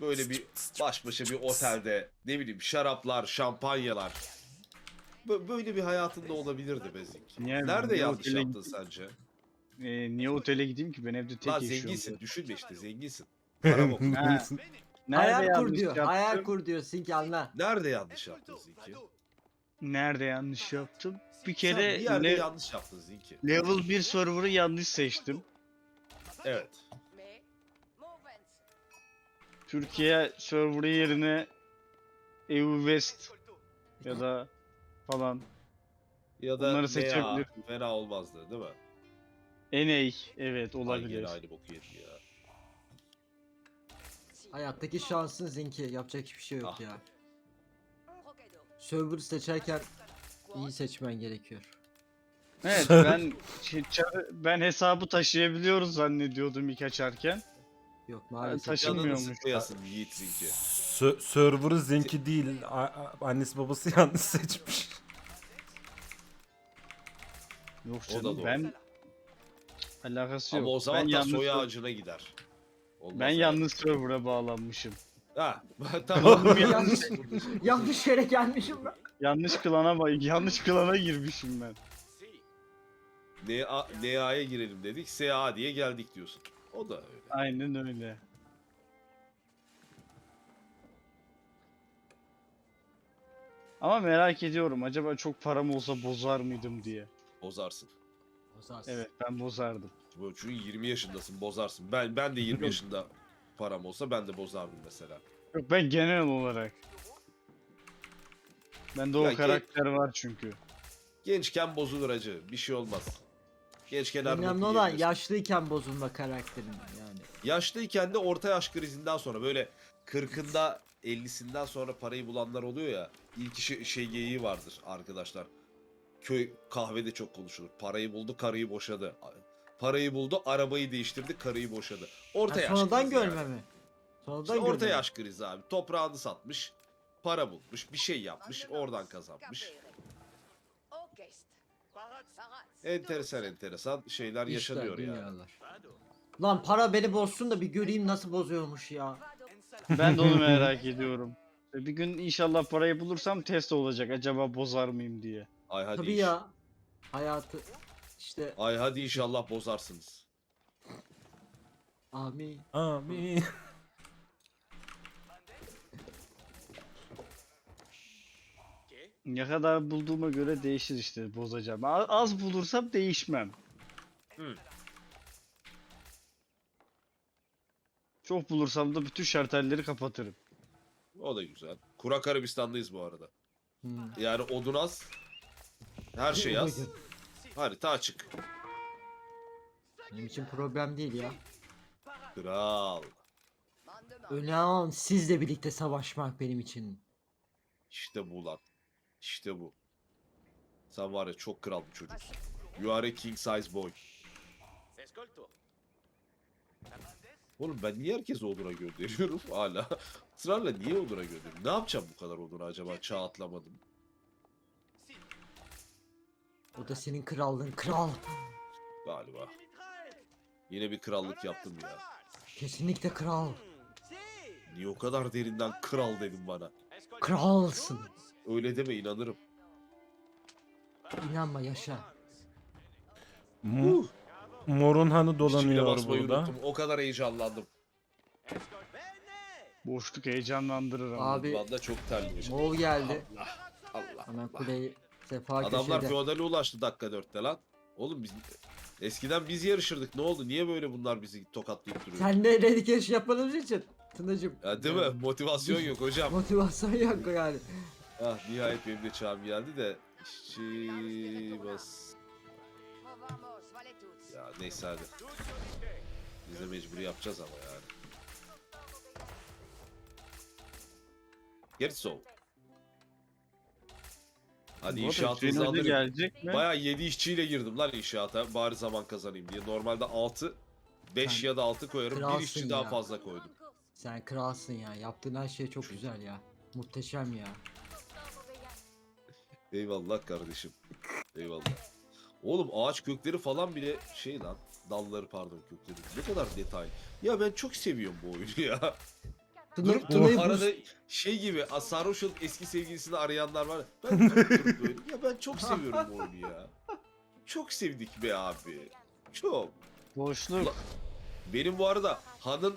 Böyle bir baş başa bir otelde ne bileyim şaraplar, şampanyalar. Böyle bir hayatında olabilirdi be Zinki. Nerede Niye yanlış otele yaptın sence? niye otele gideyim ki, ben evde Lan tek yaşıyorum zenginsin. zaten. Düşünme işte zenginsin. Para bok. Ha, nerede Hayal kur yanlış diyor. Hayal yaptım? kur diyor. Sink anla. Nerede yanlış yaptın Zinki? Nerede yanlış yaptım? Bir Sen bir kere yerde yanlış yaptın Zinki. level 1 server'ı yanlış seçtim. Evet. Türkiye server'ı yerine EU West ya da falan. Ya da Bunları NA seçebilirim. fena olmazdı değil mi? NA, evet, Ay olabilir. gene aynı boku yedi ya. Hayattaki şansın Zinki. Yapacak hiçbir şey yok Ah. ya. Server seçerken iyi seçmen gerekiyor. Evet, ben hesabı taşıyabiliyoruz zannediyordum ilk açarken. Yok maalesef. taşınmıyormuş. Canını sıkmayasın Yiğit Zinki. Server'ı Zenki değil. Annesi babası yanlış seçmiş. Yok O da canım, doğru. ben alakası yok. Ama o zaman ben da yanlış, soy ağacına gider. Olmaz ben yani. yanlış server'a bağlanmışım. Ha tamam. yanlış, yanlış yere gelmişim ben. Yanlış klana girmişim ben. NA'ya girelim dedik. SA diye geldik diyorsun. O da öyle. Aynen öyle. Ama merak ediyorum, acaba çok param olsa bozar mıydım diye. Bozarsın. Bozarsın. Evet, ben bozardım. Bu çünkü 20 yaşındasın bozarsın. Ben de 20 yaşında param olsa ben de bozardım mesela. Yok, ben genel olarak. Bende o Ya karakter var çünkü. Gençken bozulur acı. Bir şey olmaz. Gençken her Önemli boku olan yiyebilirsin. yaşlıyken bozulma karakterin yani. Yaşlıyken de orta yaş krizinden sonra böyle 40'ında 50'sinden sonra parayı bulanlar oluyor ya. İlk şey geyiği vardır arkadaşlar. Köy kahvede çok konuşulur. Parayı buldu, karıyı boşadı. Parayı buldu, arabayı değiştirdi, karıyı boşadı. Orta Ha, yaş sonradan krizi görme yani. mi? Sonradan İşte orta görme mi? yaş krizi abi. Toprağını satmış, para bulmuş, bir şey yapmış, oradan kazanmış. Enteresan şeyler İşler, yaşanıyor yani. dünyalar. Lan para beni bozsun da bir göreyim nasıl bozuyormuş ya. Ben de onu merak ediyorum. Bir gün inşallah parayı bulursam test olacak, acaba bozar mıyım diye. Ay hadi Tabii ya. Hayatı işte Ay hadi inşallah bozarsınız. amin. Amin. Ne kadar bulduğuma göre değişir işte, bozacağım. Az bulursam değişmem. Hı. Çok bulursam da bütün şartelleri kapatırım. O da güzel. Kurak Arabistan'dayız bu arada. Hmm. Yani odun az. Her şey az. Harita açık. Benim için problem değil ya. Kral. Önemli olan sizle birlikte savaşmak benim için. İşte bu lan. İşte bu. Sen var ya çok kral bir çocuksun. You are a king size boy. Oğlum ben niye herkese oduna gönderiyorum hala? Israrla niye oduna gönderiyorum? Ne yapacağım bu kadar oduna acaba? Çağ atlamadım. O da senin krallığın kral. Galiba. Yine bir krallık yaptım ya. Kesinlikle kral. Niye o kadar derinden kral dedim bana? Kralsın. Öyle deme inanırım. İnanma yaşa. Morun hanı İşçiliğe dolanıyor basmayı burada. unuttum. O kadar heyecanlandım. Boşluk heyecanlandırır ama. Abi Valla çok terliyim. Moğol geldi. Allah. Hemen kuleyi sefa Adamlar köşede. feodale ulaştı dakika 4'te lan. Oğlum biz eskiden biz yarışırdık. Ne oldu? Niye böyle bunlar bizi tokatlayıp duruyor? Sen de redikeş yapmadığımız için Tınacım. Ya değil mi? Motivasyon yok hocam. Motivasyon yok yani. Ah nihayet benim de çağım geldi de işçi bas. Ya neyse hadi. Biz de mecbur yapacağız ama yani. Gerisi o. Hadi Bu arada inşaat Hüseyin Hoca hızlandırayım. gelecek mi? Bayağı 7 işçiyle girdim lan inşaata. Bari zaman kazanayım diye. Normalde 6, 5 Sen ya da 6 koyarım. Bir kralsın işçi daha ya. fazla koydum. Sen kralsın ya. Yaptığın her şey çok güzel ya. Muhteşem ya. Eyvallah kardeşim. Eyvallah. Oğlum ağaç kökleri falan bile şey lan. Dalları pardon kökleri. Ne kadar detay. Ya ben çok seviyorum bu oyunu ya. Durup Tuna'yı durup arada boost- şey gibi sarhoş olup eski sevgilisini arayanlar var. Ben durup durup böyle. Ya ben çok seviyorum bu oyunu ya. Çok sevdik be abi. Çok. Boşluk. Benim bu arada Han'ın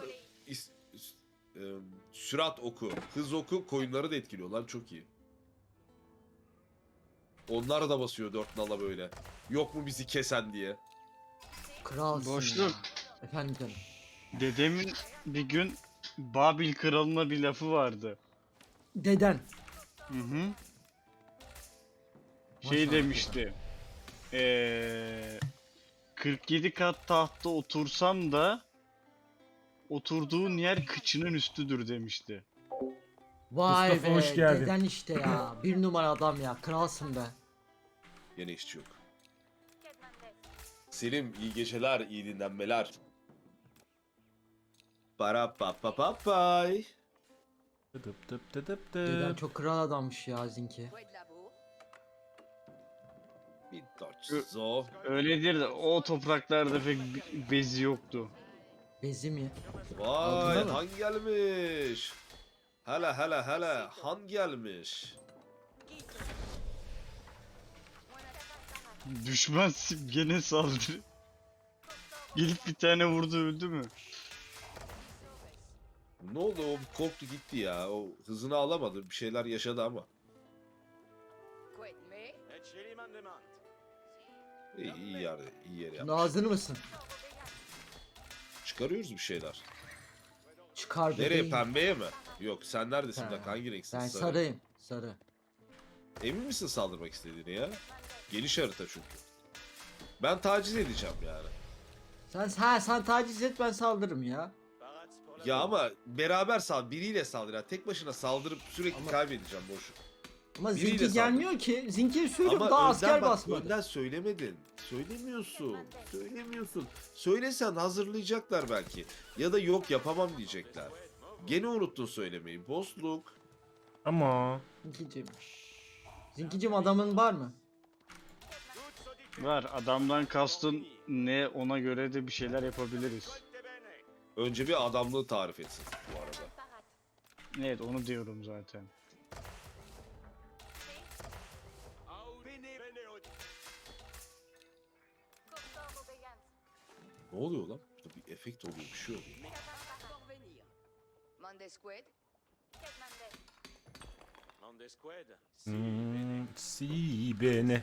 sürat oku, hız oku koyunları da etkiliyor lan, çok iyi. Onlar da basıyor 4 nala böyle. Yok mu bizi kesen diye. Kralsın Boşluk. ya. Efendim canım. Dedemin bir gün Babil kralına bir lafı vardı. Deden. Hı hı. Şey Maşallah. demişti. 47 kat tahtta otursam da oturduğun yer kıçının üstüdür demişti. Vay Mustafa, be. hoş geldin. Deden işte ya. Bir numara adam ya. Kralsın be. Yine işçi yok. Selim iyi geceler, iyi dinlenmeler. Para pa pa pa pay. Tıp tıp tıp tıp Deden tıp. çok kral adammış ya Zinki. Bir zo. Öyledir de o topraklarda pek bezi yoktu. Bezi mi? Vay Aldın mı? Han gelmiş. Hele hele hele Han gelmiş. Düşman gene saldırı. Gelip bir tane vurdu öldü mü? Ne oldu, o bir korktu gitti ya. O hızını alamadı, bir şeyler yaşadı ama. İyi yer, iyi yer Şimdi yapmış. hazır mısın? Çıkarıyoruz bir şeyler. Çıkar Nereye, bebeğim. pembeye mi? Yok, sen neredesin Ha, bak, hangi renksin? Ben Sarı. sarıyım. Sarı. Emin misin saldırmak istediğini ya? Geniş harita çünkü. Ben taciz edeceğim yani. Sen taciz et, ben saldırırım ya. Ya ama beraber biriyle saldır. Yani tek başına saldırıp sürekli Ama- kaybedeceğim boşu. Ama Biriyle Zinki saldır. gelmiyor ki. Zinki'ye söylüyorum, Ama daha önden asker bak, basmadı. önden söylemedin. Söylemiyorsun. Söylemiyorsun. Söylesen hazırlayacaklar belki. Ya da yok yapamam diyecekler. Gene unuttun söylemeyi. Bosluk. Ama Zinkicim. Zinkicim, adamın var mı? Var, adamdan kastın ne, ona göre de bir şeyler yapabiliriz. Önce bir adamlığı tarif etsin bu arada. Evet, onu diyorum zaten. Ne oluyor lan? Burada bir efekt oluyor, bir şey oluyor. si beni.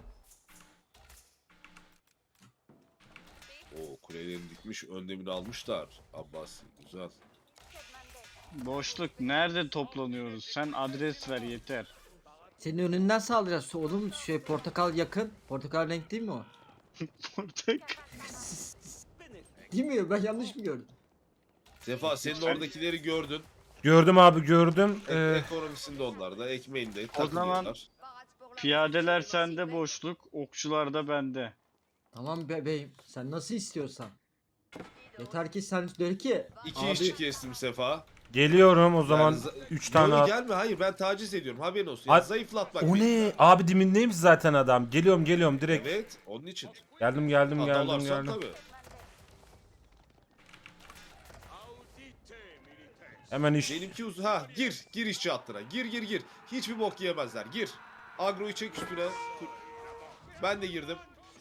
O kulelerini dikmiş, önlemini almışlar. Abbasi, güzel. Boşluk, nerede toplanıyoruz? Sen adres ver yeter. Senin önünden saldıracağız. Oğlum portakal yakın. Portakal renk değil mi o? Portak. Değil mi? Ben yanlış mı gördüm? Sefa, senin oradakileri gördün. Gördüm abi, gördüm. Ekonomisinde onlar da, ekmeğinde O zaman- takılıyorlar. Piyadeler sende boşluk, okçular da bende. Tamam bebeğim. Sen nasıl istiyorsan. Yeter ki sen de ki. İki Abi- işçi kestim Sefa. Geliyorum o zaman, Yani 3 tane Yo, at. gelme, hayır, ben taciz ediyorum, haberin olsun. Ay- Yani zayıflatmak. O beni. ne? Abi dimindeymiş zaten adam. Geliyorum direkt. Evet, onun için. Geldim Ha, dalarsan tabii. Hemen iş. Benimki gir işçi hattına. Gir. Hiçbir bok yiyemezler. Gir. Agroyu çek üstüne. Ben de girdim.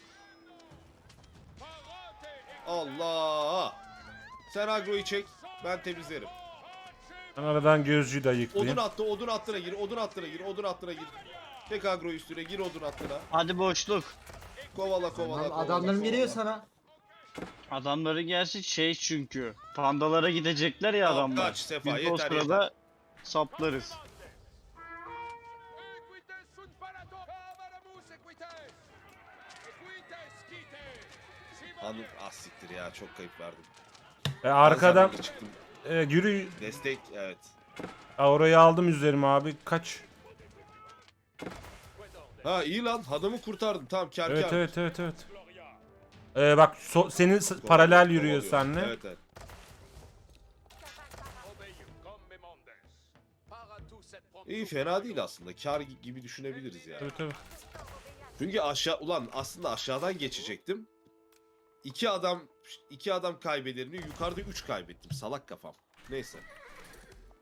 Allah. Sen agroyu çek. Ben temizlerim. Ben aradan gözcüyü de ayıklayayım. Odun hattına gir. Odun hattına gir. Tek agroyu üstüne gir, odun hattına. Hadi boşluk. Kovala. Adamlarım geliyor sana. Adamları gelsin şey çünkü. Pandalara gidecekler ya Tamam, adamlar. kaç Sefa, Biz de o yeter, sırada saplarız. Hanım siktir ya, çok kayıp verdim. Arkadan Ben çıktım. yürü. Destek, evet. Orayı aldım üzerime abi. Kaç. Ha iyi lan, adamı kurtardım. Tamam, kar. Evet. Bak senin paralel yürüyor seninle. Evet. İyi, fena değil aslında. Kar gibi düşünebiliriz yani. Tabii. Çünkü aslında aşağıdan geçecektim. İki adam kaybederini yukarıda 3 kaybettim. Salak kafam. Neyse.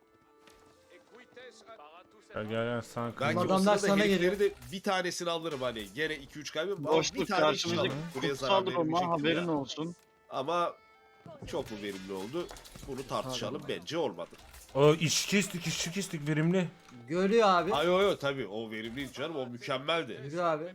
Gel gel sen Belki Bu o adamlar sırada sana herifleri de bir tanesini alırım hani. Gene 2-3 kaybım. Ama bir Boşluk tane işçi karşımızdaki alırım. Buraya zarar kutsal Roma verebilecek haberin ya. olsun. Ama çok mu verimli oldu? Bunu tartışalım. Bence olmadı. O işçi kestik verimli. Görüyor abi. Ay yo tabii o verimliydi canım. O mükemmeldi. Yürü abi.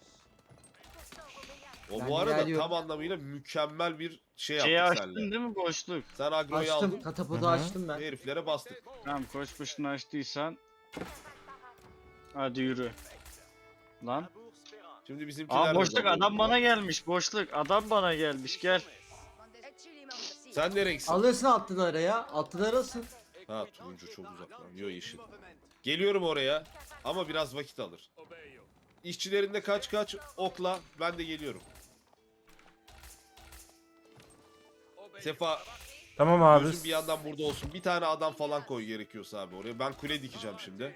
O Ben bu arada geliyorum. tam anlamıyla mükemmel bir şey Şeyi yaptık açtın seninle. değil mi boşluk? Sen agroyu Açtım. aldın. Katapodu Hı hı. açtım ben. Heriflere bastık. Tamam koş başını açtıysan. Hadi yürü. Lan. Şimdi bizimkiler Aa de boşluk dalıyor adam buna. bana gelmiş boşluk. Adam bana gelmiş gel. Sen ne renksin? Alırsın atlıları ya. Atlıları alsın. Ha turuncu çok uzaklanıyor yeşil. Geliyorum oraya ama biraz vakit alır. İşçilerinde kaç okla ben de geliyorum. Sefa Tamam abi. gözün bir yandan burada olsun. Bir tane adam falan koy gerekiyorsa abi oraya. Ben kule dikeceğim şimdi.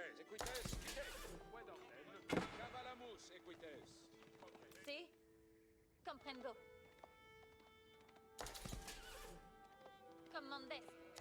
Sí, comprendo. Comandez.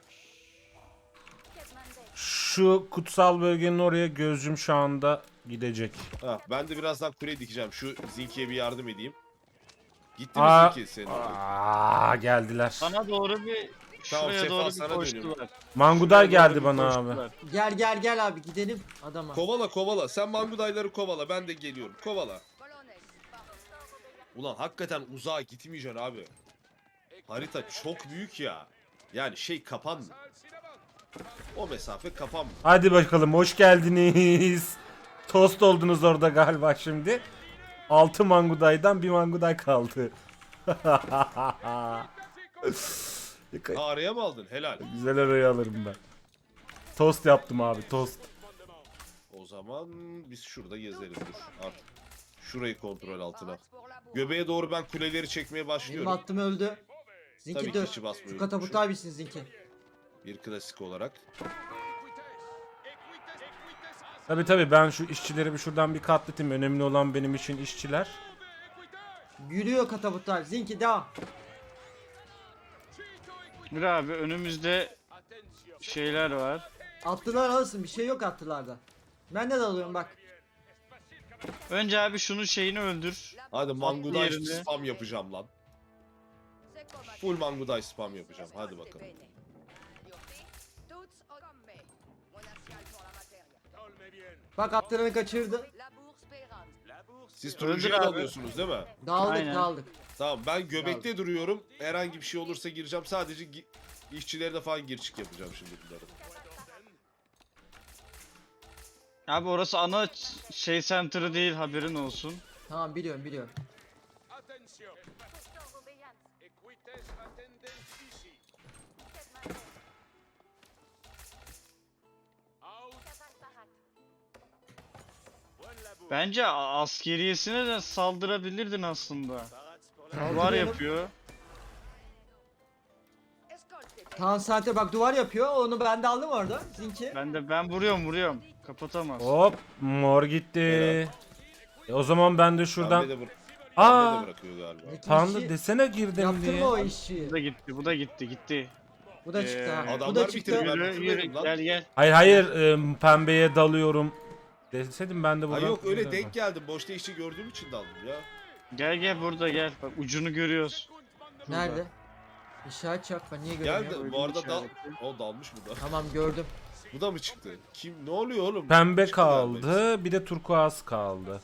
Que mandes. Şu kutsal bölgenin oraya gözcüm şu anda gidecek. Ha, ben de birazdan kule dikeceğim. Şu Zinki'ye bir yardım edeyim. Gitti mi Aa, Zinki senin oraya? geldiler. Sana doğru bir Tamam, şuraya Sefa, doğru sana bir dönüyorum. koştular. Manguday Şuraya doğru geldi bir bana abi. koştular. Gel abi gidelim adama. Kovala. Sen mangudayları kovala. Ben de geliyorum. Kovala. Ulan hakikaten uzağa gitmeyeceksin abi. Harita çok büyük ya. Yani şey kapanmıyor. O mesafe kapanmıyor. Hadi bakalım hoş geldiniz. Tost oldunuz orada galiba şimdi. 6 mangudaydan bir manguday kaldı. Ha, araya mı aldın? Helal. Güzel arayı alırım ben. Tost yaptım abi tost. O zaman biz şurada gezeriz dur artık. Şurayı kontrol altına. Göbeğe doğru ben kuleleri çekmeye Benim başlıyorum. attım öldü. Tabii Zinki ki dön. içi basmayı Şu kataputu unutmuşum. abisin Zinki. Bir klasik olarak. Tabi ben şu işçileri bir şuradan bir katlatayım. Önemli olan benim için işçiler. Yürüyor kataputlar. Zinki devam. Bir abi önümüzde şeyler var. Atlılar alırsın. Bir şey yok atlılarda. Ben de alıyorum bak. Önce abi şunun şeyini öldür. Hadi Manguday yerine. spam yapacağım lan. Full Manguday spam yapacağım. Hadi bakalım. Bak atlarını kaçırdı. Siz Öldür turuncuya abi. dalıyorsunuz değil mi? Dağıldık. Aynen. Tamam ben göbekte duruyorum. Herhangi bir şey olursa gireceğim. Sadece işçilerine falan gir çık yapacağım şimdi bunları. Abi orası ana şey center'ı değil haberin olsun. Tamam biliyorum. Bence askeriyesine de saldırabilirdin aslında. Var Saldırıyorum. yapıyor. Tan saate bak duvar yapıyor. Onu ben de aldım orada. Zinki. Ben vuruyorum. Kapatamaz. Hop mor gitti. O zaman ben de şuradan... Pembe de, Aa! pembe de bırakıyor galiba. Zinki Tanrı işi- desene girdim Yaptın diye. mı o işi? Bu da gitti. Bu da çıktı ha. Bu Adamlar da çıktı. bitirdi. Ben Yürü bitirmedim lan. gel. Hayır pembeye dalıyorum. Deseydim ben de Ha buradan... yok öyle denk geldim. Boşta işçi gördüğüm için daldım ya. Gel burada gel. Bak ucunu görüyoruz. Nerede? İşaret çak. Ben niye Gel göremiyorum? de bu arada dal... işareti. O dalmış mı da? Tamam gördüm. Bu da mı çıktı? Kim? Ne oluyor oğlum? Pembe Çıktı galiba kaldı, bir de turkuaz kaldı.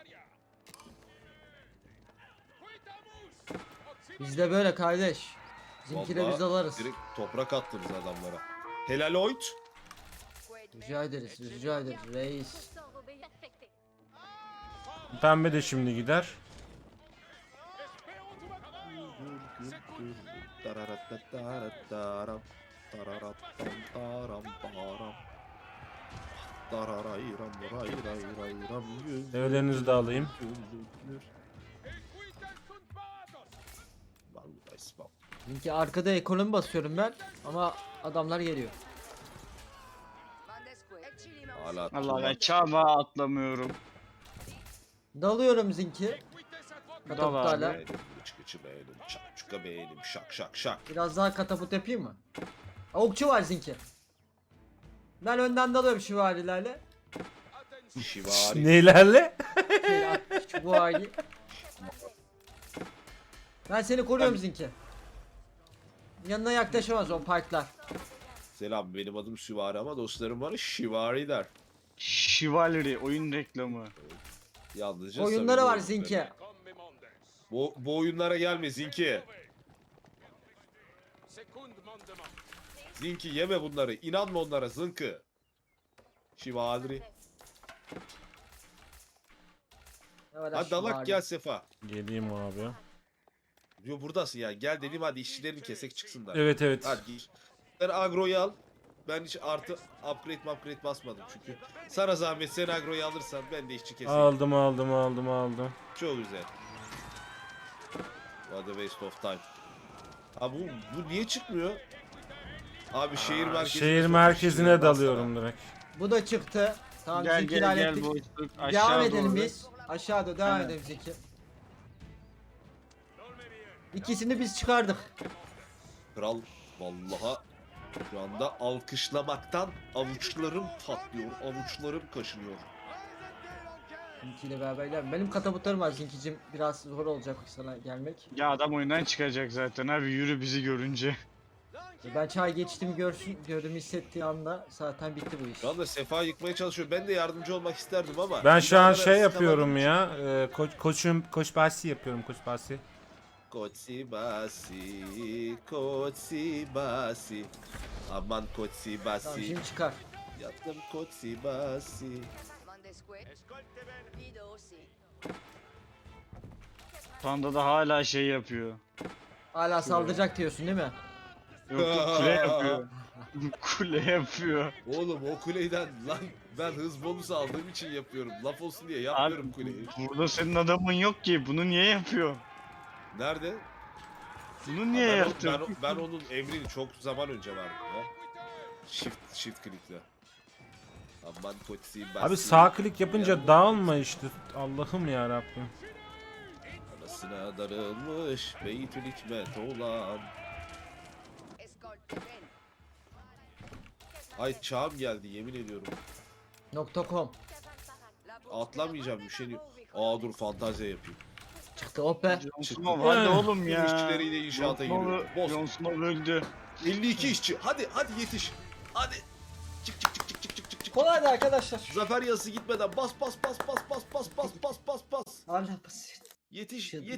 Bizde böyle kardeş. Zinki'de Vallahi biz alırız. Direkt toprak attınız adamlara. Helal oyt. Rica ederiz reis. Pembe de şimdi gider. Devlerinizi de alayım. Zinki arkada ekonomi basıyorum ben. Ama adamlar geliyor. Hala Allah ben çağma atlamıyorum. Dalıyorum Zinki. Dal Kataputlarla. abi. beğenim, çıkıcı beğenim, çakçuka beğenim, şak şak şak. Biraz daha kataput yapayım mı? Okçu var Zinki. Ben önden dalıyorum şivarilerle. Şivari. Neylerle? Şu bu hali. Ben seni koruyorum Zinki. Yanına yaklaşamaz o parklar. Selam, benim adım Süvari ama dostlarım bana Şivari der. Chivalry oyun reklamı. Yalnızca Oyunları var samimi Zinki. Bu oyunlara gelme Zinki. Zinki yeme bunları. İnanma onlara Zınkı. Şivari. Evet, Hadi dalak gel Sefa. Geleyim abi. Diyor buradasın ya. Gel dedim hadi işçilerini kesek çıksınlar. Evet evet. Hadi gir. Sen agroyu al. Ben hiç artı upgrade basmadım çünkü. Sana zahmet sen agroyu alırsan ben de işçi keseyim. Aldım. Çok güzel. What a waste of time. Ha bu niye çıkmıyor? Abi şehir Merkezine dalıyorum direkt. Bu da çıktı. Tamam Gel Zinki gel gel hallettik. boşluk Devam aşağı edelim doğru. biz. Aşağıda devam Aynen. edelim Zinki. İkisini biz çıkardık. Kral vallaha şu anda alkışlamaktan avuçlarım patlıyor, avuçlarım kaşınıyor. Zinki ile beraber ilerleyelim. Benim katapultlarım var Zinkicim. Biraz zor olacak sana gelmek. Ya adam oyundan çıkacak zaten abi yürü bizi görünce. Ben çay geçtim gördüm hissettiği anda zaten bitti bu iş. Şu anda Sefa yıkmaya çalışıyor. Ben de yardımcı olmak isterdim ama. Ben şu an insanlara şey yapıyorum sıkamadığım ya. Koç basi yapıyorum koç basi. için. Kotsi basi. Aman kotsi Tamam basi. şimdi çıkar. Yattım kotsi basi. Panda da hala şey yapıyor. Hala saldıracak diyorsun değil mi? Yok yok kule yapıyor. Kule yapıyor. Oğlum o kuleyden lan ben hız bonusu aldığım için yapıyorum. Laf olsun diye Abi yapmıyorum kuleyi. burada senin adamın yok ki. Bunu niye yapıyor? Nerede? Bunu niye Ben, yaptı? ben onun emrini çok zaman önce verdim ya. Shift click'le. Aman kotsi basi. Abi sağ klik yapınca dağılma işte. Allah'ım ya Rabbim. Anasına darılmış Beytül Hikmet olan. Ay çağım geldi yemin ediyorum. .com Atlamayacağım bir şey yok. Aa dur fantaziya yapayım. çıktı hop be. Yonsunov hadi oğlum ya. İşçileriyle inşaata giriyor. Boz. Yonsunov öldü. 52 işçi. Hadi yetiş. Hadi. Çık. Kolaydı arkadaşlar. Zafer yazısı gitmeden bas. Allah basit. Yetiş.